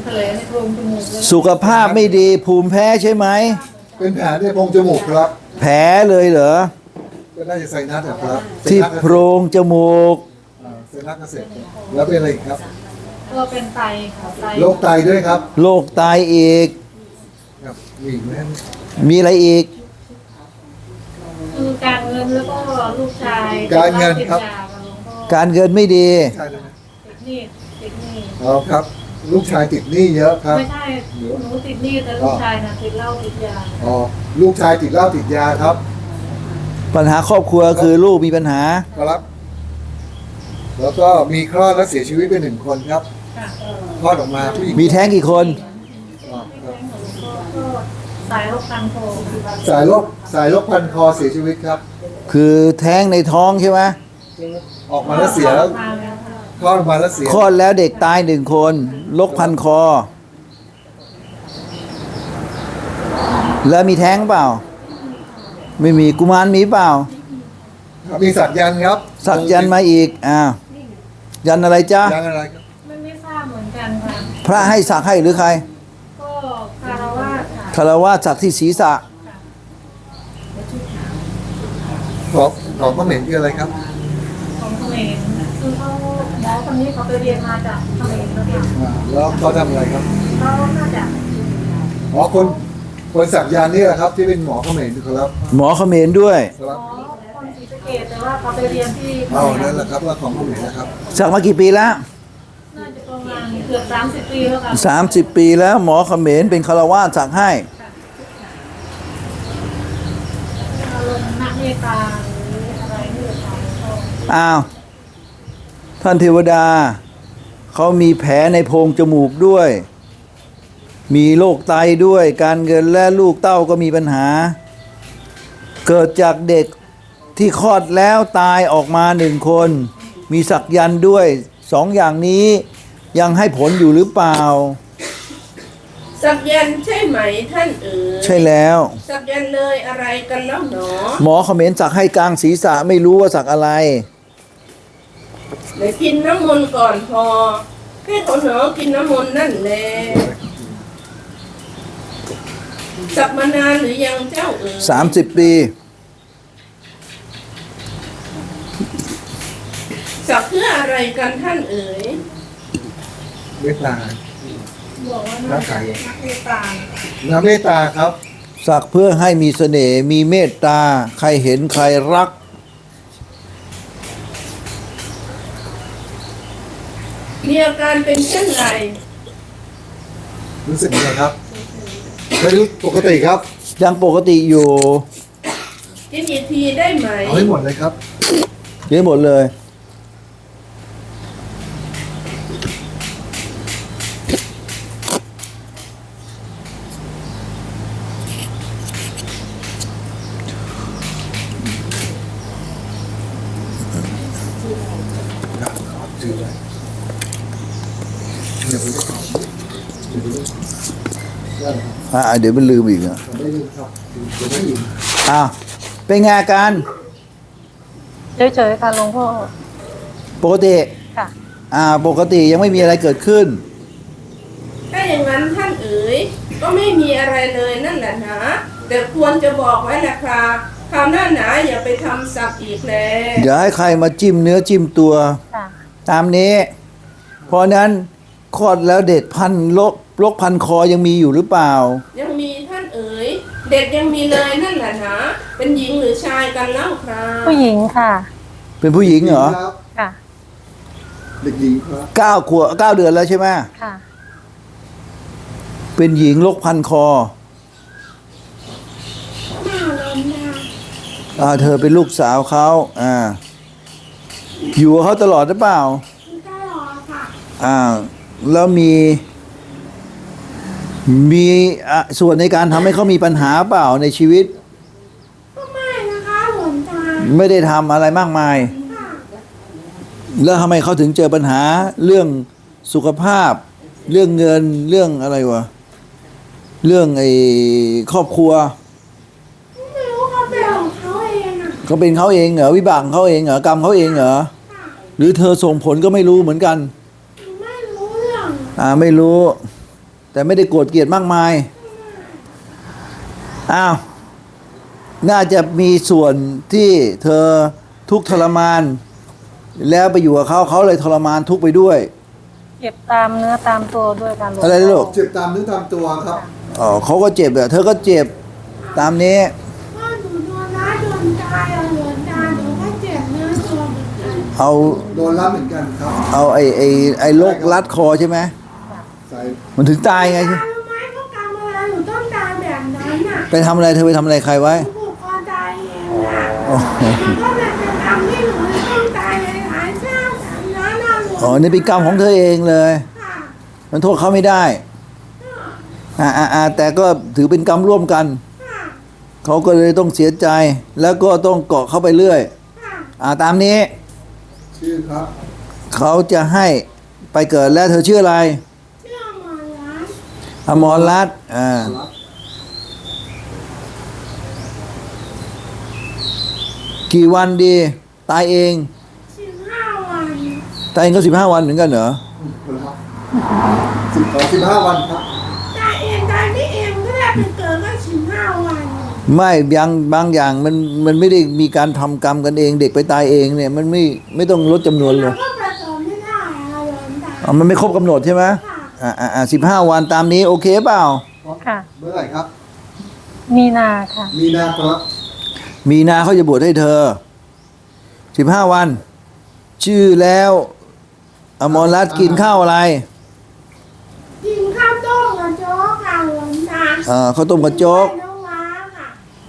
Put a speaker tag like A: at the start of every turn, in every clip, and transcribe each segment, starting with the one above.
A: ทะเลในโพรงจมูกเลย
B: สุขภาพไม่ดีภูมิแพ้ใช่ไหม
C: เป็นแผลที่โพรงจมูกครับ
B: แผลเลยเหรอ
C: ก็น่าจะไซนัสครับ
B: ที่โพรงจมูก
C: ไซนัสเกษตรแล้วเป็นอะไรอีกครับ
A: ก็เป็นไตค่ะไต
C: โรคไตด้วยครับ
B: โรคไตอีก
C: ครับมีอีกไหม
B: มีอะไรอีก
A: คือการเงินแล้วก็ลูกชาย
C: การเงินครับ
A: ติดยาค่ะหลวงพ่อ
B: การเงินไม่ดี
C: ใช่เลยไหม
A: ติดหนี้
C: อ๋อครับ ลูกชายติดหนี้เยอะครับ
A: ไม่ใช่หนูติดหนี้แต่ลูกชายน่ะติดเหล้าติดยา
C: อ๋อลูกชายติดเหล้าติดยาครับ
B: ปัญหาครอบครัวคือลูกมีปัญหา
C: ครับ แล้วก็มีคลอดและเสียชีวิตไปหนึ่งคนครับ
A: ค่ะ
C: คลอดออกมาผู้หญิง
B: มีแท้งกี่คน
C: อ๋อครับ
A: ก็สายโรคคันโท
C: สายโรคพันคอเสียชีวิตครับ
B: คือแท้งในท้องใช่ไหม
C: ออกมาแล้วเสียแล้ว
A: มาแล้วค่ะ
C: คลอดออกมาแล้วเสีย
B: คลอดแล้วเด็กตายหนึ่งคนโรคพันคอ แล้วมีแท้งเปล่า ไม่มีกุมารมีเปล่า
C: ครับมีสักยันต์ครับ
B: สักยันต์มาอีกยันต์อะไรจ๊ะ
C: ยันต์อะไรครับ
A: ไม่ทราบเหมือนกันค่ะ
B: พระให้สักให้หรือใคร
A: ก็คารวะค่ะ
B: คารวะสักที่ศีรษะ
C: ของเขมรคืออะไรครับ
A: ของเขมรคือเขาหมอคนนี้เขาไปเรียนมาจากเขมรแล้วค่ะ
C: แล้วเขาทำอะไรครับ
A: เขาน่าจะ
C: อ๋อคนสักยันต์นี่แหละครับ ที่เป็นหมอเขมรครับ
B: หมอเขมรด้วย
C: ครับ
A: หมอคนศรีสะเกษแต่ว่าเขาไปเรียนที่เขม
C: เอา
A: ร
C: นั่นแหละครับว่าของเขมรนะครับ
B: สักมากี่ปีแล้ว
A: น่าจะประมาณเกือบ30 ปีแล้วค่ะ
B: 30 ปีแล้วหมอเขมรเป็นคารวะสักให้
A: อารมณ์นักเมตตาหรืออะไรนี่แหละค่ะ
B: อ้าวท่านเทวดาเขามีแผลในโพรงจมูกด้วย มีโรคไตด้วย การเงินและลูกเต้าก็มีปัญหา เกิดจากเด็กที่คลอดแล้วตายออกมาหนึ่งคน มีสักยันต์ด้วยสองอย่างนี้ยังให้ผลอยู่หรือเปล่า
D: สักยันต์ใช่ไหมท่านเอ๋ย
B: ใช่แล้ว
D: สักยันต์เลยอะไรกันแล้วหนอ
B: หมอเขมรสักให้กลางศีรษะไม่รู้ว่าสักอะไร
D: เดี๋ยวกินน้ำมนต์ก่อนพอให้เขาหนอกินน้ำมนต์นั่นแหละสักมานานหรือยังเจ้าเอ๋ย
B: 30 ปี
D: สักเพื่ออะไรกันท่านเอ๋ย
C: เมตตา
A: บอกว่า
C: น้า
A: น่า
C: ไก่
A: จะนักเมตตา
C: น้ำเมตตาครับ
B: สักเพื่อให้มีเสน่ห์มีเมตตา ใครเห็นใครรัก
D: มีอาการเป็นเช่นไร
C: รู้สึกยังไงครับไม่รู้ปกติครับ
B: ยังปกติอยู่
D: กินอีกทีได้ไหม
C: เอาให้หมดเลยครับ
B: เยอะหมดเลย
C: ถือไว้เดี๋ยวผมจะขอได้ครับ
B: เดี๋ยวมันลืมอีกอ่ะ
C: ผมไม่ลืมครับเดี๋ยวไม่ลืม
B: อ้าวเป็นไงอาการ
A: เฉยๆค่ะหลวงพ่อ
B: ปกติ
A: ค่ะ
B: ปกติยังไม่มีอะไรเกิดขึ้น
D: ถ้าอย่างนั้นท่านเอ๋ยก็ไม่มีอะไรเลยนั่นแหละนะแต่ควรจะบอกไว้แหละครับคราวหน้าหนาอย่าไปทำสักอีกแล้ว
B: เดี๋ยวให้ใครมาจิ้มเนื้อจิ้มตัว
A: ค่ะ
B: ตามนี้ เพราะนั้นคลอดแล้วเด็กพันโรคพันคอยังมีอยู่หรือเปล่า
D: ยังมีท่านเอ๋ยเด็กยังมีเลยนั่นแหละนะเป็นหญิงหรือชายกันเล่าครับ
A: ผู้หญิงค่ะ
B: เป็นผู้หญิงเหรอ
C: ครับ
A: ค่ะ
C: เด็กหญิงครับ
B: 9 เดือนแล้วใช่ไหม
A: ค่ะ
B: เป็นหญิงโรคพันคอเธอเป็นลูกสาวเขาอยู่กับเขาตลอดหรือเปล่าแล้วมีส่วนในการทำให้เขามีปัญหาเปล่าในชีวิต
D: ก็ไม่นะคะหลวงตา
B: ไม่ได้ทำอะไรมากมาย แล้วทำไมเขาถึงเจอปัญหาเรื่องสุขภาพ เรื่องเงินเรื่องอะไรวะเรื่องครอบครัว
D: ไม่รู้เขาเป็นของเขาเองอ่ะ
B: เขาเป็นเขาเองเหรอวิบากของเขาเองเหรอกรรมเขาเองเหรอหรือเธอส่งผลก็ไม่รู้เหมือนกัน
D: ไม่รู้เรื่อง
B: ไม่รู้แต่ไม่ได้โกรธเกลียดมากมายอ้าวน่าจะมีส่วนที่เธอทุกข์ทรมาน แล้วไปอยู่กับเขาเลยทรมานทุกข์ไปด้วย
A: เจ็บตามเนื้อตามตัวด้วยการหลวง
B: อะไรนะลูก
C: เจ็บตามเนื้อตามตัวครับ
B: อ๋อเขาก็เจ็บเธอก็เจ็บตามนี้
D: พ่อหนูโดนร้ายโดนตายเอาหลวงตาหนูก็เจ็บเนื้อตัวเหมือนกัน
B: เอา
C: โดนรับเหมือนกันครับ
B: เอาไอ้โรครัดคอใช่ไหม
C: ใส่
B: มันถึงตายไง
D: ตารู้ไหมเขากรรมอะไรหนูต้องตายแบบนั้นน่ะ
B: ไปทำอะไรเธอไปทำอะไรใครไว้
D: หนูผูกคอตายเองน่ะ
B: อ๋อ
D: มันก็เลยเป็นกรรมที่หนูต้องตายในหลายชาติแบบนั้นน่ะหลวง
B: อ๋อนี่เป็นกรรมของเธอเองเลย
D: ค่ะ
B: มันโทษเขาไม่ได้แต่ก็ถือเป็นกรรมร่วมกัน
D: ค่ะ
B: เขาก็เลยต้องเสียใจ แล้วก็ต้องเกาะเข้าไปเรื่อย
D: ค่ะ
B: ตามนี้
C: ชื่อครับ
B: เขาจะให้ไปเกิดแล้วเธอชื่ออะไร
D: เชื่อหมอร้าน
B: อมรรัตน์
C: รับ
B: กี่วันดี ตายเอง
D: 15 วัน
B: ตายเองก็15 วันเหมือนกันเหรอ
C: ครับ15 วันครับ
D: ตายเองตายไม่เองก็ได้เป็นเกิดก็15 วัน
B: ไม่บางอย่างมันไม่ได้มีการทำกรรมกันเอง เด็กไปตายเองเนี่ยมันไม่ต้องลดจำนวนเล
D: เรา
B: ย
D: ก็ผสมไม่ได้อะหลวงตา
B: มันไม่ครบกำหนดใช่ไหม
D: ค่ะ
B: 15 วันตามนี้โอเคเปล่า
A: ค่ะ
C: เมื่อไหร่ครับ
A: มีนาค่ะ
C: มีนาครับ
B: มีนาเขาจะบวชให้เธอ 15 วัน ชื่อแล้วอมรรัตน์กินข้าวอะไร
D: กินข้าวต้มกับโจ๊กค่ะหลวงตา
B: ข้าวต้มกับโจ๊ก
D: ใส่น้ำว้าค่ะ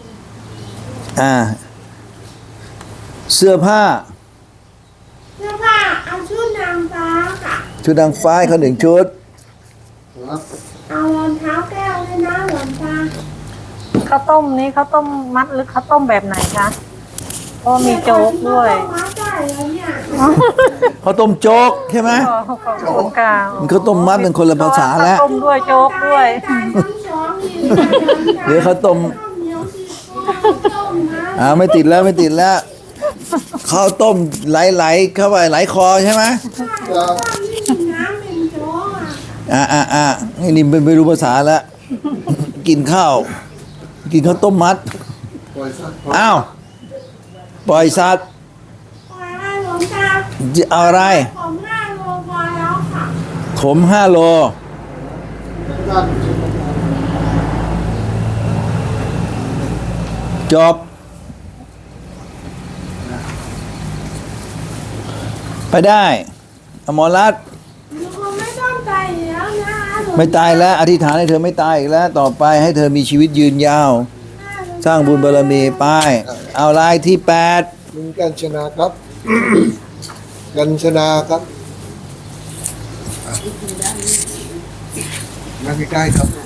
B: เสื้อผ้า
D: เสื้อผ้าเอาชุดนางฟ้าค่ะ
B: ชุดนางฟ้าให้เขา1 ชุด
C: ครับ
D: เอารองเท้าแก้วด้วยนะหลวงตา
A: ข้าวต้มนี้ข้าวต้มมัดหรือข้าวต้มแบบไหนคะเพราะมีโจ๊กด้วย
D: มาได้แล้วเนี่ย
B: ข้าวต้มโจ๊กใช่ไหม
A: ขอบคุณค่ะ
B: มันข้าวต้มมัดเป็นคนละภาษาแล้ว
A: ข้าวต้มด้วยโจ๊กด้วย
D: ตายทั้งสองนี่
B: เดี๋ยวข้าวต้ม
D: ข้าวเหนียวสีต้มนะ
B: ไม่ติดแล้วข้าวต้มไหลเข้าไปไหลคอใช่ไหม
D: ข้าวนี่มีน้ำเป็นโจ๊กอ่ะ
B: ไอ้นี่ไม่รู้ภาษาแล้ว กินข้าวต้มมัด
C: ปล่อยสัตว์
B: อ้าวปล่อยสัตว์
D: ปล่อยให้หลวงตา
B: จะเอาอะไร
D: ผม5 โลพอแล้วค่ะ
B: ขม5 โล
C: ด้าน
B: จบ ไปได้อมรรัตน์
D: หนูคงไม่ต้องตายแล้วนะหลวงตา
B: ไม่ตายแล้ว อธิษฐานให้เธอไม่ตายอีกแล้ว ต่อไปให้เธอมีชีวิตยืนยาว สร้างบุญบารมีไปเอาลายที่ 8
C: ลุงกัญชนาครับ กัญชนาครับมาใกล้ๆครับ